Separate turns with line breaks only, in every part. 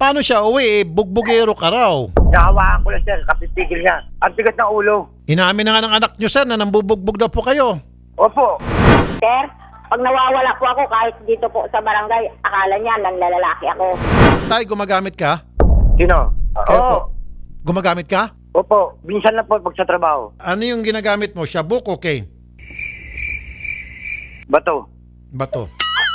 Paano siya uwi? Bugbugero ka raw.
Nakawaan ko lang, sir. Kapipigil niya. Ang tigas ng ulo.
Inamin na nga ng anak nyo, sir, na nambubugbog daw po kayo.
Opo.
Sir, pag nawawala po ako kahit dito po sa barangay, akala niya nanlalalaki ako.
Tay, gumagamit ka?
Sino?
Kayo po.
Oo.
Gumagamit ka?
Opo. Minsan lang po pag sa trabaho.
Ano yung ginagamit mo? Shabuk o cane?
Bato.
Bato.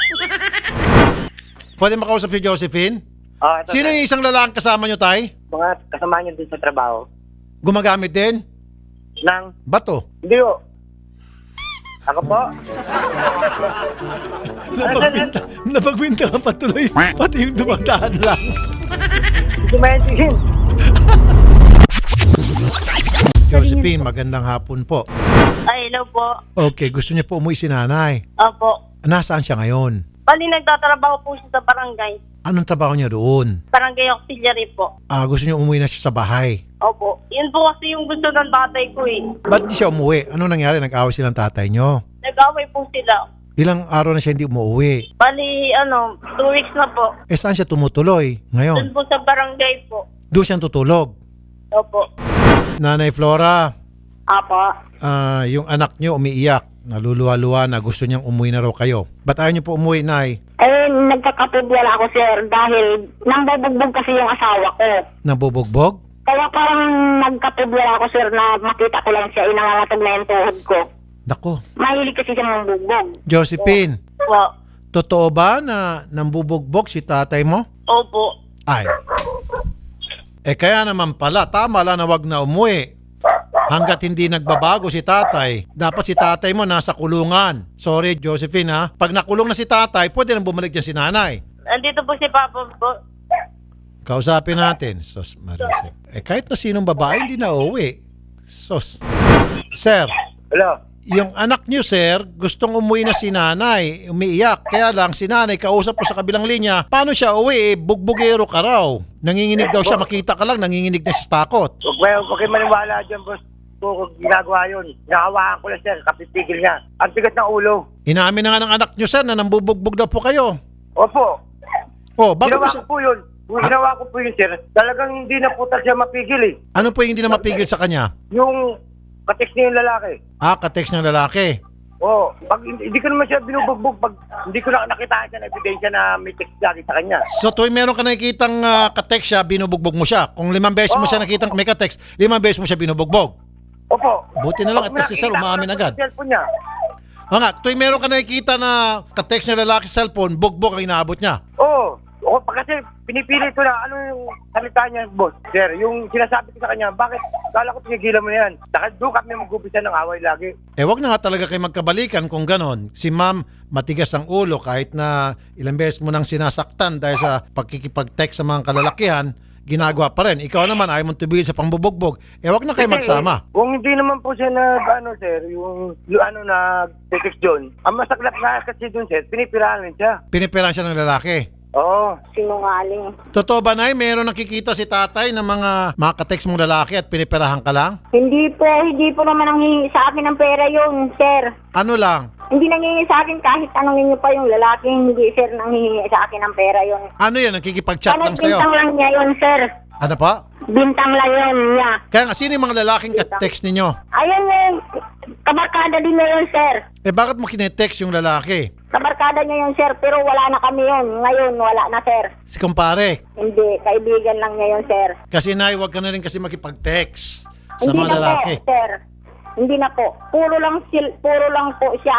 Pwede makausap si Josephine?
Ito,
Sino
sir.
yung isang lalaking kasama nyo, Tay?
Mga kasama niyo din sa trabaho.
Gumagamit din?
Nang,
Bato.
hindi po. Ako po?
Napagbinta ka pa tuloy. Pati yung dumadaan lang.
Hindi ko maintindihan.
Josephine, magandang hapon po.
Ay, hello po.
Okay, gusto niya po umuwi si nanay.
Opo.
Nasaan siya ngayon?
Bali, nagtatrabaho po siya sa barangay.
Anong trabaho niya doon?
Barangay auxiliary po.
Gusto niya umuwi na siya sa bahay.
Opo. Yun po kasi yung gusto ng tatay ko eh.
Ba't di siya umuwi? Ano nangyari? Nag-away silang tatay niyo?
Nag-away po sila.
Ilang araw na siya hindi umuwi?
Bali, 2 weeks na po.
Saan siya tumutuloy ngayon?
Doon po sa barangay po.
Doon siya tutulog.
Opo.
Nanay Flora,
Apo.
yung anak niyo umiiyak. Naluluwa-luwa na gusto niyang umuwi na raw kayo. Ba't ayaw niyo po umuwi, Nay?
Nagkakapidwala ako, sir, dahil nangbubugbog kasi yung asawa ko.
Nabubugbog?
Kaya parang nagkapidwala ako, sir, na makita ko lang siya, inangangatog na yung tuhod ko.
Dako.
Mahilig kasi siya mambugbog.
Josephine,
Po.
totoo ba na nambubugbog si tatay mo?
Opo.
Ay. Kaya naman pala, tama lang na wag na umuwi. Hanggat hindi nagbabago si tatay, dapat si tatay mo nasa kulungan. Sorry, Josephine ha. Pag nakulong na si tatay, pwede nang bumalik dyan si nanay.
Andito po si Papa po.
Kausapin natin. Sos, Marisol. Kahit na sinong babae, hindi na uuwi. Sos. Sir,
Hello?
yung anak niyo, sir, gustong umuwi na si nanay. Umiiyak. Kaya lang, si nanay, kausap ko sa kabilang linya, paano siya uwi? Bugbugero ka raw. Nanginginig daw siya, makita ka lang, nanginginig na siya sa takot.
Huwag kayo maniwala dyan, boss. Kung ginagawa yun. Nakawaan ko lang, sir. Kapipigil niya. Ang tigas ng ulo.
Inamin na nga ng anak niyo, sir, na nambubugbog daw po kayo.
Opo.
Oh, bakit
Ginawa
mo
ko po yun. Kung ginawa ko po yun, sir, talagang hindi na po siya mapigil eh.
ano po yung hindi na mapigil sa kanya?
Yung katext niya yung lalaki.
Ka-text ng lalaki.
Oo. Pag hindi ko naman siya binubugbog, pag hindi ko na nakita siya na ebidensya na may text lagi sa kanya.
So tuwing meron ka nakikitang ka-text siya, binubugbog mo siya. Kung 5 beses mo siya nakitang may ka-text, 5 beses mo siya binubugbog.
Opo.
Buti na lang at kasi sir, umaamin agad.
Cellphone niya.
Nga, tuwing meron ka nakikita na ka-text ng lalaki sa cellphone, bugbog ang inaabot niya.
Oo. Oo, kasi pinipili ko na ano yung salita niya, boss. Sir, yung sinasabi ko sa kanya, bakit? Kala ko pinigilan mo na yan. Dahil doon kami mag-upisa ng away lagi.
Wag na nga talaga kayo magkabalikan kung ganon. Si ma'am, matigas ang ulo kahit na ilang beses mo nang sinasaktan dahil sa pagkikipag-text sa mga kalalakihan, ginagawa pa rin. Ikaw naman, ayaw mong tubigil sa pangbubugbog. Wag na kayo magsama.
Kung hindi naman po siya sir, yung nag-text doon, ang masaklap na kasi doon, sir, pinipirahan siya.
Pinipiran siya ng lalaki.
Oo.
Sinungaling.
Totoo ba, Nay? Meron nakikita si tatay ng mga ka-text mong lalaki at pinipirahan ka lang?
Hindi po naman nanghihingi sa akin ng pera yun, sir.
Ano lang?
Hindi nanghihingi sa akin kahit anong inyo pa yung lalaki, hindi, sir, nanghihingi sa akin ng pera yun.
Ano yan? Nakikipag-chat lang sa'yo?
Bintang lang niya yun, sir.
Ano pa?
Bintang lang yun niya.
Kaya nga, sino yung mga lalaking ka-text ninyo?
Ayun yun, kabarkada din niya yun, sir.
Bakit mo kinetext yung lalaki?
Kabarkada niya yun, sir, pero wala na kami yun. Ngayon, wala na, sir.
Si kumpare.
Hindi, kaibigan lang niya yun, sir.
Kasi Nay, wag ka na rin kasi makipag-text sa
Hindi
mga
na
lalaki.
po, sir. Hindi na po. Puro lang po siya,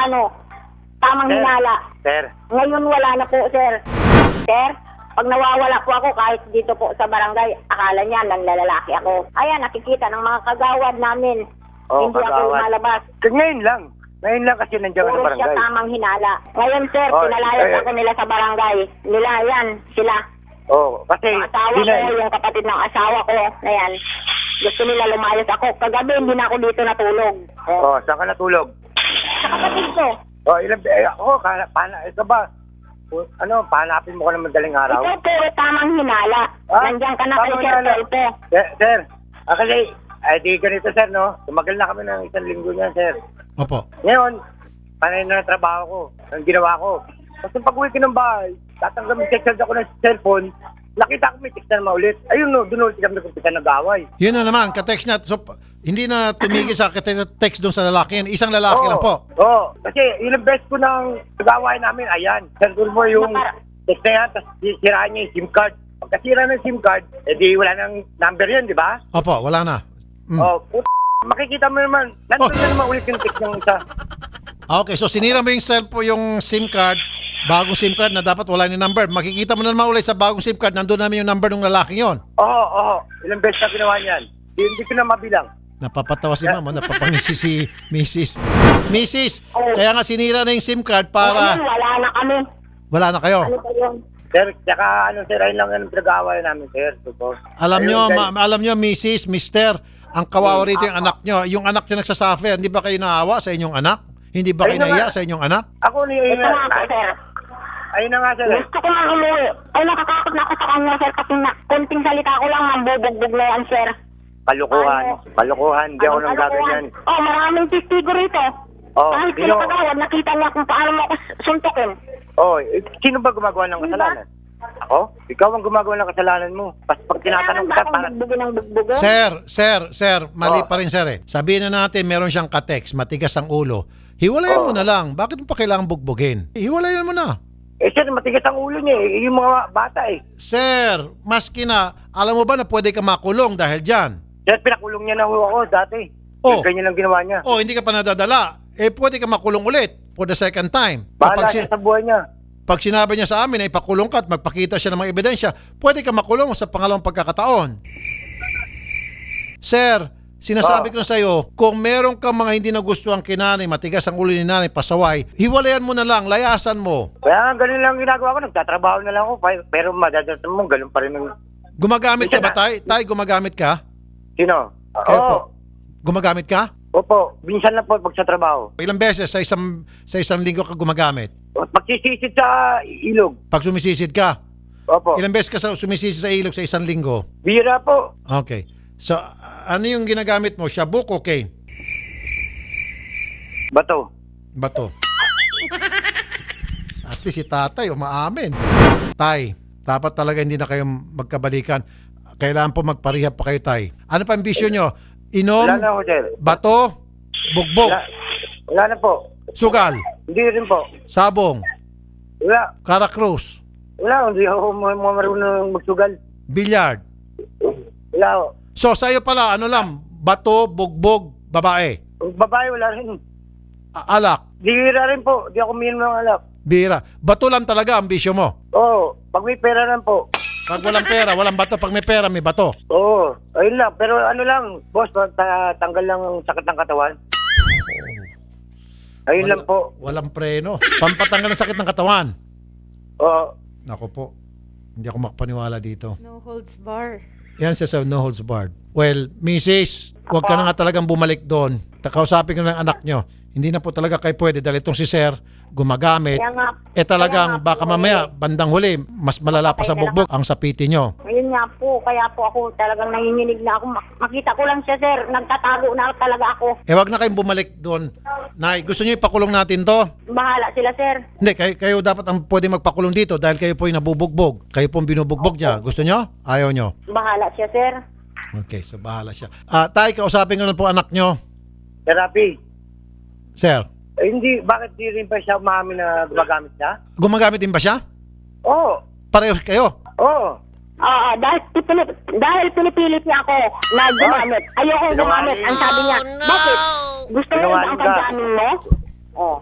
tamang
Sir.
hinala.
Sir.
Ngayon, wala na po, sir. Sir, pag nawawala po ako kahit dito po sa barangay, akala niya nanlalalaki ako. Ayan, nakikita ng mga kagawad namin.
Oo,
Hindi ako
kagawad.
lumalabas.
Ngayon lang. Ngayon lang kasi nandiyan ka sa
Puro siya
barangay.
tamang hinala. Ngayon, sir,
Oh,
pinalayas ako nila sa barangay. Nila, yan, sila.
Oo. Kasi,
Yung asawa
di na,
ko, yung kapatid ng asawa ko, na yan. Gusto nila lumayas ako. Kagabi, hindi na ako dito natulog.
Oo, saan ka natulog?
Sa kapatid ko.
Oo, ito ba? Pahanapin mo ko ng madaling araw?
Ikaw puro tamang hinala. Nandiyan ka na kay
Tamang
Sir
hinala.
Tolpo.
Sir, kasi, di ganito, sir, no? Tumagal na kami ng 1 linggo niyan, sir.
Opo.
Ngayon, panay na trabaho ko. Ang ginawa ko. Kasi pag uwi ko ng bahay, tatanggamin check ako ng cellphone, nakita ko may text na naman ulit. Ayun no, doon ulit kami nagkumpisa nag-away.
Yun na naman, ka-text niya. So, hindi na tumigil sa text doon sa lalaki yan. Isang lalaki lang po.
Oo, kasi ilang beses ko nang nag-away namin, ayan. Sandul mo yung text na yan, tapos siraan niya yung SIM card. Pagkasira ng SIM card, edi wala nang number yun, di ba?
Opo, wala na.
Oh, makikita mo naman, nandun na naman ulit yung text ng isa.
Okay, so sinira mo yung yung SIM card, bagong SIM card na dapat wala yung number. Makikita mo na naman ulit sa bagong SIM card, nandun namin yung number ng lalaki yon.
Oo, ilang beses na ginawa niyan. Hindi ko na mabilang.
Napapatawa si mama, napapangisi si Mrs. Mrs., kaya nga sinira na yung SIM card para
Wala na kami.
wala na kayo.
Ano ba yun?
Sir, tsaka sir, ayun lang yung pinag-aaway namin, sir. So,
Alam
ayun,
nyo,
guys.
alam nyo, Mrs., Mister, ang kawawa rito yung anak nyo. Yung anak nyo nagsasuffer. Hindi ba kayo naawa sa inyong anak? Hindi ba kayo
Ayun na
naiya
nga.
sa inyong anak?
Ako ayun
Ito nga po, sir.
Ayun na nga, sir.
Gusto ko nang umuwi. Ay, nakakakot na ako sa kanya, sir, kasi konting salita ko lang, mambubugbog na yan, sir.
Kalukuhan. Kalukuhan. Hindi ako nang gaganyan.
Oh, maraming testigo rito.
Oh,
Kahit
sino?
sila kagawad, nakita niya kung paano mo ako suntukin.
Oh, sino ba gumagawa ng kasalanan? Ako? Ikaw ang gumagawa ng kasalanan mo. Pag tinatanong
Kailangan ba
kita,
akong
parang...
bugbugin ng bugbugin?
Sir, mali
Oh.
pa rin sir eh. Sabihin na natin, meron siyang ka-text, matigas ang ulo. Hiwalayan mo na lang. Bakit mo pa kailangan bugbugin? Hiwalayan mo na.
Eh, sir, matigas ang ulo niya eh. Yung mga bata eh.
Sir, maski na, alam mo ba na pwede ka makulong dahil dyan?
Sir, pinakulong niya na ho ako dati.
Oh.
Ganyan lang ginawa niya.
O, hindi ka pa nadadala. Eh, pwede ka makulong ulit for the second time.
Bahala
Kapag
siya sa buhay niya.
Pag sinabi niya sa amin na ipakulong ka at magpakita siya ng mga ebidensya, pwede ka makulong sa pangalawang pagkakataon. Sir, sinasabi ko na sa iyo, kung meron kang mga hindi nagustuhan kay nanay, matigas ang ulo ni nanay, pasaway, hiwalayan mo na lang, layasan mo.
Kaya ganun lang ginagawa ko. Nagtatrabaho na lang ako. Pero madadasan mo, ganun pa rin yung...
Gumagamit ka ba, Tay? Tay, gumagamit ka?
Sino?
Kayo po.
Oo.
Gumagamit ka?
Opo. Minsan lang po pag sa trabaho.
Ilang beses sa isang linggo ka gumagamit?
Pagsisid sa ilog.
Pag sumisisid ka?
Opo.
Ilang beses ka sumisisid sa ilog sa isang linggo?
Bira po.
Okay. So, ano yung ginagamit mo? Shabuk o cane?
Bato.
Bato. At least si tatay umaamin. Tay, dapat talaga hindi na kayo magkabalikan. Kailangan po magparehab pa kayo, tay. Ano pa ang bisyo nyo? Inom,
Wala na ako, sir.
bato, bugbog,
Wala na po.
sugal,
Hindi rin po.
sabong,
Wala.
karakrus,
Wala. Hindi ako marunong magsugal.
bilyard.
Wala ako.
So, sa'yo pala, ano lang, bato, bugbog, babae,
Babae, wala rin.
alak,
Bira rin po. Di ako uminom ng alak.
bira. Bato lang talaga ang bisyo mo.
Oo. Pag may pera lang po.
Pag walang pera, walang bato. Pag may pera, may bato.
Oo. Ayun lang. Pero ano lang, boss, tanggal lang ang sakit ng katawan. Ayun lang po.
Walang preno. Pampatanggal ng sakit ng katawan.
Oo.
Nako po. Hindi ako makapaniwala dito.
No holds bar.
Yan siya sa no holds barred. Well, Mrs., huwag ka na nga talagang bumalik doon. Kausapin ko ng anak nyo. Hindi na po talaga kayo pwede dahil itong si Sir gumagamit.
Kaya nga,
Talagang baka mamaya, bandang huli, mas malala pa sa bugbog ang sapiti nyo.
ayun nga po, kaya po ako talagang nanginginig na ako. Makita ko lang siya, sir. Nagtatago na talaga ako.
Wag na kayong bumalik doon. Nay, gusto nyo ipakulong natin to?
Bahala sila, sir.
Hindi, kayo dapat ang pwede magpakulong dito dahil kayo po yung nabubugbog. Kayo po yung binubugbog niya. Gusto nyo? Ayaw nyo?
Bahala siya, sir.
Okay, so bahala siya. Tay, kausapin ko na po anak nyo.
Therapy.
Sir,
Hindi, bakit di rin pa siya umamin na gumagamit siya?
gumagamit din ba siya?
Oo.
Pareho kayo?
Oo.
Oo, dahil pinipilit niya ako na gumamit. Ayokong gumamit. Ang sabi niya, bakit? Gusto mo ba ang pagkamin mo? Oh.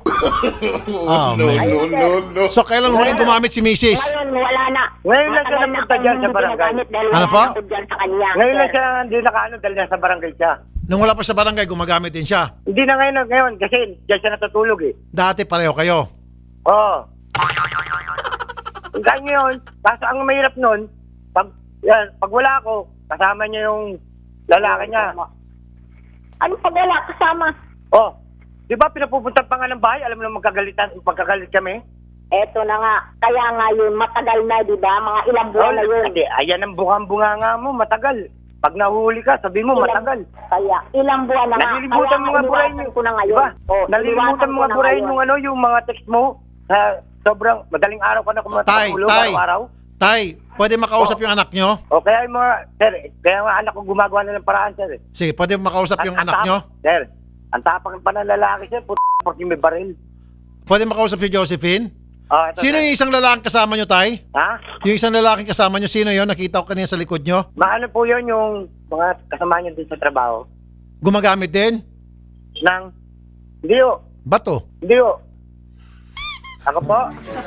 So, kailan huling gumamit si Mrs.?
Ngayon, wala na.
Ngayon lang siya
Matagal
napunta
akong
dyan sa
hindi
barangay.
ginagamit dahil
Ano
wala
po?
ako dyan sa kanya.
Ngayon lang
sir.
siya hindi nakaano dahil nasa barangay siya.
Nung wala pa sa barangay, gumagamit din siya.
Hindi na ngayon kasi dyan siya natutulog eh.
Dati pareho kayo.
Oo. Hanggang ngayon, kaso ang mahirap nun, pag wala ako, kasama niya yung lalaki niya.
Ano pag wala kasama?
Oh, di ba pinapupunta pa nga ng bahay, alam mo na magkagalit kami?
Eto na nga. Kaya nga yun, matagal na, di ba? Mga ilang buwan na yun.
Hindi, ayan ang bunga nga mo, matagal. Pag nahuli ka, sabi mo matagal.
Kaya, ilang buwan na nga.
Nalilimutan mo nga burahin
iniwasan
yung,
ko na ngayon.
diba?
Oh,
Nalilimutan
iniwasan
mo
ko
nga
na
burahin
ngayon.
yung yung mga text mo. Sobrang madaling araw ka na
Tay,
kumatulog
tay.
araw-araw.
Tay, pwede makausap yung anak nyo?
O kaya yung mga, sir, kaya nga anak ko gumagawa na ng paraan, sir.
Sige, pwede makausap yung anak nyo?
Sir, ang tapang pa ng lalaki, sir, porque may baril.
Pwede makausap si Josephine?
Ito,
Sino
sir.
yung isang lalaking kasama nyo, Tay?
Ha?
Yung isang lalaking kasama nyo, sino yon? Nakita ko kanina sa likod nyo.
Maano po yun yung mga kasama niyo din sa trabaho?
Gumagamit din?
Hindi o.
Bato?
Hindi o. Ako po?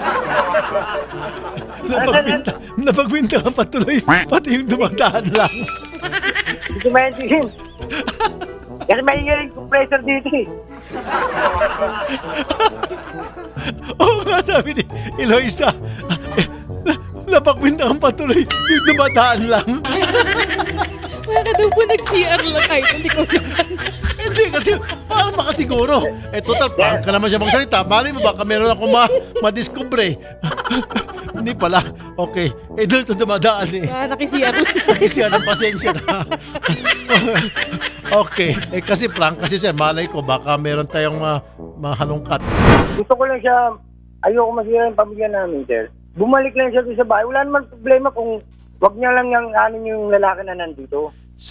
Napagbinta ka pa tuloy. Pati yung dumadaan lang.
Hindi ko maintindihan. Kasi may yung compressor dito eh.
Oo nga, sabi ni Eloisa. Napagbinta ka pa tuloy. Yung dumadaan lang.
Baka daw po nag-CR lang kahit hindi ko naman.
Hindi kasi, paano makasiguro? Total, prank ka naman siya magsalita. Mali mo, baka meron ako madiscover. Hindi pala. Okay. Doon ito dumadaan eh.
Naki-CR lang.
Siya ng pasensya na. Okay. Kasi prank kasi sir, malay ko, baka meron tayong mahalungkat.
Gusto ko lang siya, ayoko masira yung pamilya namin, sir. Bumalik lang siya doon sa bahay. Wala naman problema kung wag niya lang yung lalaki na nandito.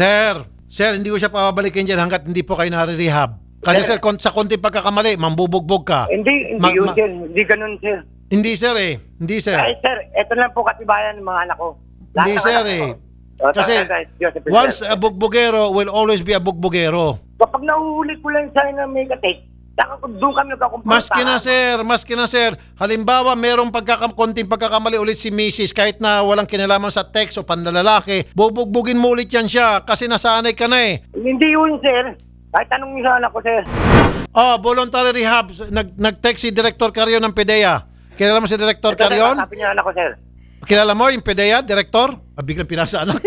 Sir, hindi ko siya papabalikin dyan hanggat hindi po kayo nare-rehab. Kasi sir, sa konting pagkakamali, mambubugbog ka.
Hindi yun, sir. Hindi ganun, sir.
Hindi sir eh. Hindi sir.
Ay, sir, eto lang po katibayan ng mga anak ko.
Hindi
Lahat ng
sir
anak
eh.
ko. O,
Kasi
Joseph,
once
sir.
a bugbogero will always be a bugbogero.
Kapag nahuhuli ko lang siya na may katik, saka doon kami nagkakumpara.
Maski na sir. Halimbawa, merong konting pagkakamali ulit si Mrs. kahit na walang kinalaman sa text o panlalalaki, bubugbugin mo ulit yan siya kasi nasanay ka na eh.
Hindi yun, sir. Kahit anong yung anak ko, sir.
Voluntary rehab. Nag-text si Director Carion ng PDEA. Kilala mo si Director Carion?
Sabi niya anak ko, sir.
Kilala mo yung PDEA, Director? Biglang pinasa anak.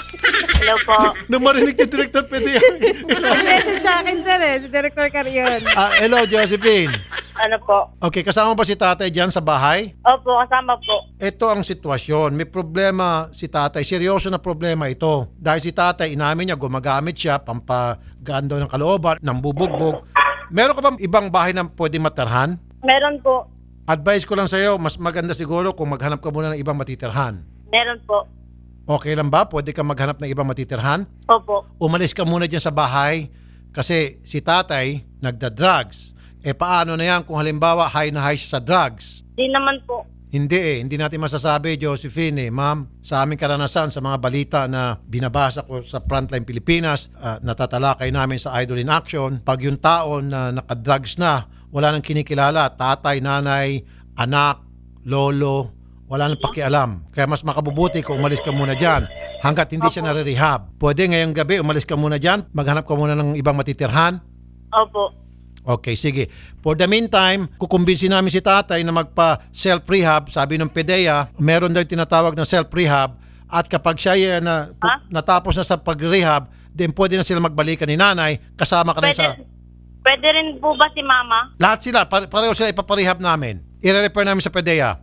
Hello po.
Nung marinig yung Director PDEA.
Message sa akin, sir si Director Carion.
Hello, Josephine.
Ano po?
Okay, kasama ba si tatay dyan sa bahay?
Opo, kasama po.
Ito ang sitwasyon. May problema si tatay. Seryoso na problema ito. Dahil si tatay, inamin niya, gumagamit siya, pampagando ng kalooban, ng bubugbog. Meron ka bang ibang bahay na pwede matarhan?
Meron po.
Advice ko lang sa'yo, mas maganda siguro kung maghanap ka muna ng ibang matitirhan.
Meron po.
Okay lang ba? Pwede ka maghanap ng ibang matitirhan?
Opo.
Umalis ka muna dyan sa bahay kasi si tatay nagda-drugs. Paano na yan kung halimbawa high na high siya sa drugs?
Di naman po.
Hindi natin masasabi, Josephine. Ma'am, sa aming karanasan, sa mga balita na binabasa ko sa Frontline Pilipinas, natatalakay namin sa Idol in Action, pag yung tao na nakadrugs na, wala nang kinikilala, tatay, nanay, anak, lolo, wala nang pakialam. Kaya mas makabubuti kung umalis ka muna dyan hanggat hindi siya nare-rehab. Pwede ngayong gabi, umalis ka muna dyan, maghanap ka muna ng ibang matitirhan.
Opo.
Okay, sige. For the meantime, kukumbinsin namin si tatay na magpa-self-rehab. Sabi ng PDEA, meron daw tinatawag na self-rehab at kapag siya natapos na sa pag-rehab, then pwede na sila magbalikan ni nanay, kasama ka na sa...
Pwede rin po ba si mama?
Lahat sila, pareho sila ipaparehab namin. I-refer namin sa PDEA.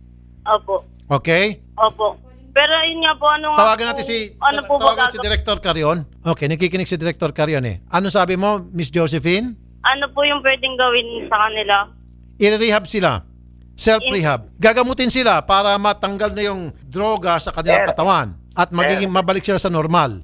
Opo.
Okay?
Opo. Pero yun nga po, ano nga
Tawagan
po,
natin si
ba
si Director Carion. Okay, nakikinig si Director Carion eh. Ano sabi mo, Miss Josephine?
Ano po yung pwedeng gawin sa kanila?
I-rehab sila. Self-rehab. Gagamutin sila para matanggal na yung droga sa kanilang katawan at magiging mabalik sila sa normal.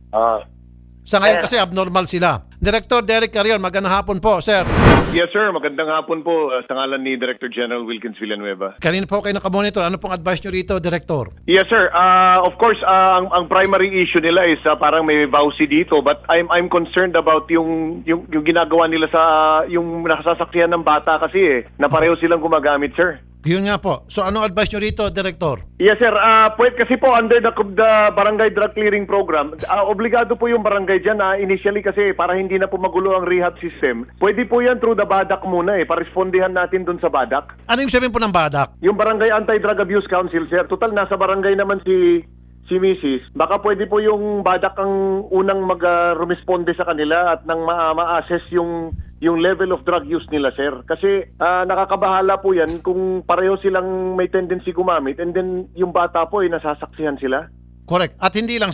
Sa ngayon kasi abnormal sila. Director Derek Carion, magandang hapon po, sir.
Yes, sir. Magandang hapon po sa ngalan ni Director General Wilkins Villanueva.
Kanina po kayo nakamonitor. Ano pong advice nyo rito, Director?
Yes, sir. Of course, ang primary issue nila is parang may vowsy dito, but I'm concerned about yung ginagawa nila sa yung nakasasakyan ng bata kasi na pareho silang gumagamit, sir.
Yun nga po. So anong advice nyo rito, Director?
Yes, sir. Pwede kasi po under the Barangay Drug Clearing Program, obligado po yung barangay dyan initially kasi para hindi na po magulo ang rehab system. Pwede po yan through the BADAC muna parespondihan natin dun sa BADAC.
Ano yung sabihin po ng BADAC?
Yung Barangay Anti-Drug Abuse Council, sir. Total, nasa barangay naman si Mrs. Baka pwede po yung BADAC ang unang mag-responde sa kanila at nang ma-assess yung level of drug use nila, sir. Kasi nakakabahala po yan kung pareho silang may tendency gumamit and then yung bata po nasasaksihan sila.
Correct. At hindi lang, sir.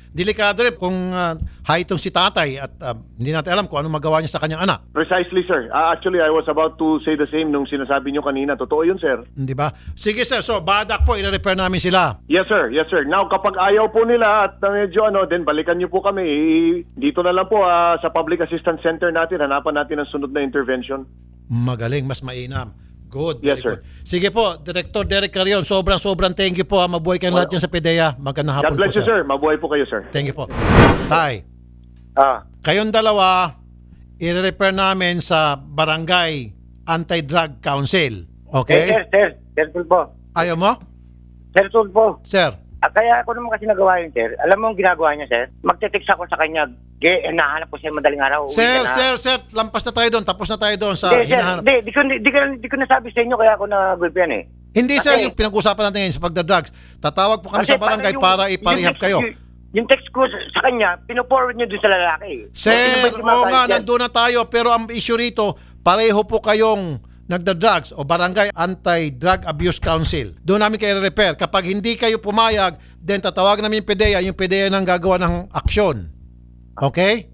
delikado rin kung high itong si tatay at hindi natin alam kung ano magawa niya sa kanyang anak.
Precisely, sir. Actually, I was about to say the same nung sinasabi nyo kanina. Totoo yun, sir.
Di ba? Sige sir, so badak po, i-repair namin sila.
Yes, sir. Yes, sir. Now, kapag ayaw po nila at medyo then balikan nyo po kami. Dito na lang po sa Public Assistance Center natin. Hanapan natin ang sunod na intervention.
Magaling, mas mainam. Good,
Yes,
very
sir.
good. Sige po, Director Derek Carion, sobrang thank you po. Mabuhay kayong lahat dyan sa PDEA. Magandang hapon
God bless
po,
you, sir. Mabuhay po kayo, sir.
Thank you po. Tay,
Ah,
kayong dalawa, i-repair namin sa Barangay Anti-Drug Council. Okay?
Sir Tulfo.
Ayaw mo?
Sir Tulfo.
Sir.
Kaya ako naman kasi nagawa yun, sir. Alam mo ang ginagawa niya, sir? Magte-text ako sa kanya. Nahanap ko siya madaling araw. Uwi
Sir,
ka na.
sir, lampas na tayo doon. Tapos na tayo doon sa
Hindi, sir.
hinahanap.
Di ko nasabi sa inyo kaya ako nagulpian eh.
Hindi, sir,
Kasi-
yung pinag-usapan natin ngayon sa pagdadrugs. Tatawag po kami
Kasi
sa barangay
yung-
para iparehab
yung text-
kayo.
Yung text ko sa kanya, pino-forward niyo dun sa lalaki.
Sir,
Sino ba yung
oo nga,
gumagayad yan?
nandun na tayo. Pero ang issue rito, pareho po kayong nagda-drugs o Barangay Anti-Drug Abuse Council. Doon namin kayo repair. Kapag hindi kayo pumayag, then tatawag namin yung PDEA nang gagawa ng aksyon. Okay?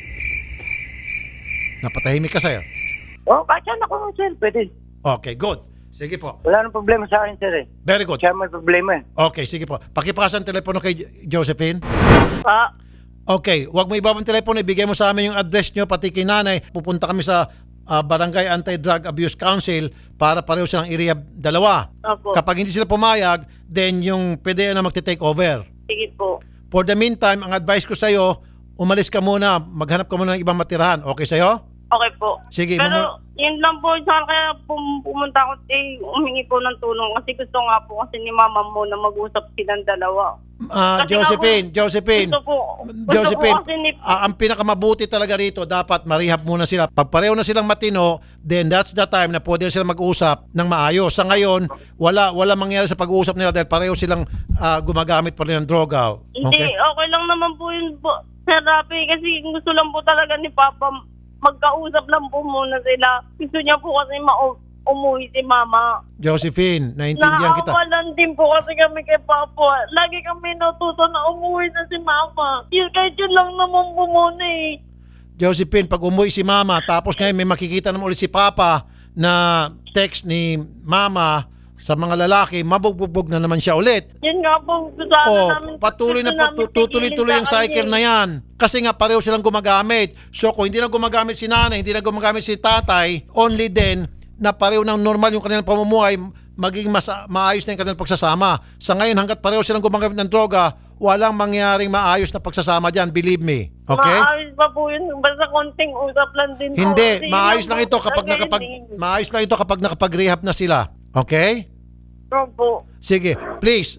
Napatahimik ka, sir.
Kahit saan ako, sir. Pwede.
Okay, good. Sige po.
Wala nang problema sa akin, sir eh.
Very good.
Siya may problema eh.
Okay, sige po. Pakipasan telepono kay Josephine.
Pa,
Okay, wag mo ibabang telepono, ibigay mo sa amin yung address nyo, pati kay nanay. Pupunta kami sa Barangay Anti-Drug Abuse Council para pareho silang i-rehab dalawa.
Opo.
Kapag hindi sila pumayag, then yung PDEA na magte-take over.
sige po.
For the meantime, ang advice ko sa'yo, umalis ka muna, maghanap ka muna ng ibang matirahan. Okay sa'yo?
Okay po.
Sige,
Pero yun lang po sa kaya pumunta ako humingi po ng tulong kasi gusto nga po kasi ni mama mo na mag-usap silang dalawa. Kasi
Josephine,
Gusto po
Josephine,
kasi ni
ang pinakamabuti talaga rito, dapat marehab muna sila. Pag pareho na silang matino, then that's the time na pwede sila mag-usap ng maayos. Sa ngayon, wala mangyari sa pag-uusap nila dahil pareho silang gumagamit pa rin ng droga.
Hindi, okay lang naman po yun po, Sir Rafi, kasi gusto lang po talaga ni Papa magkausap lang po muna sila. Gusto niya po kasi umuwi si Mama.
Josephine, naintindihan kita.
Naawalan din po kasi kami kay Papa. Lagi kami natuto na umuwi na si Mama. Yun, kahit yun lang naman po muna eh.
Josephine, pag umuwi si Mama, tapos ngayon may makikita naman ulit si Papa na text ni Mama sa mga lalaki, mabugbog na naman siya ulit.
Yun nga po, sana namin.
Patuloy na tutuloy-tuloy yung cycle na yan. Kasi nga pareho silang gumagamit. So kung hindi na gumagamit si nanay, hindi na gumagamit si tatay, only then na pareho ng normal yung kanilang pamumuhay, maging maayos na yung kanilang pagsasama. Sa ngayon, hanggat pareho silang gumagamit ng droga, walang mangyaring maayos na pagsasama dyan, believe me. Okay?
Maayos pa po yun. Basta konting usap lang din po.
Hindi,
Kasi
maayos
yun
lang
po
ito kapag
talaga
maayos lang ito kapag nakapag-rehab na sila. Okay?
Opo.
Sige, please,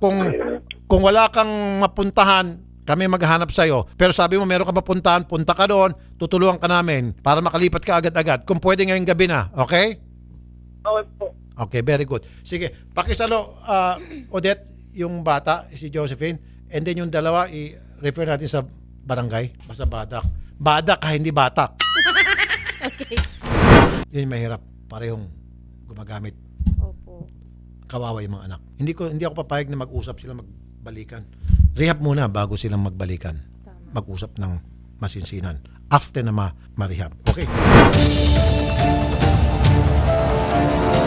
kung wala kang mapuntahan, kami maghanap sa'yo. Pero sabi mo, meron ka mapuntahan, punta ka doon, tutulungan ka namin para makalipat ka agad-agad. Kung pwede ngayong gabi na, okay?
Okay po.
Okay, very good. Sige, pakisalo, Odette, yung bata, si Josephine, and then yung dalawa, i-refer natin sa barangay, basta badak. Badak ha, hindi batak.
Okay.
Yun yung mahirap, parehong gumagamit.
Opo.
Kawawa yung mga anak. Hindi ako papayag na mag-usap sila magbalikan. Rehab muna bago silang magbalikan. Mag-usap ng masinsinan. After na ma-rehab. Okay.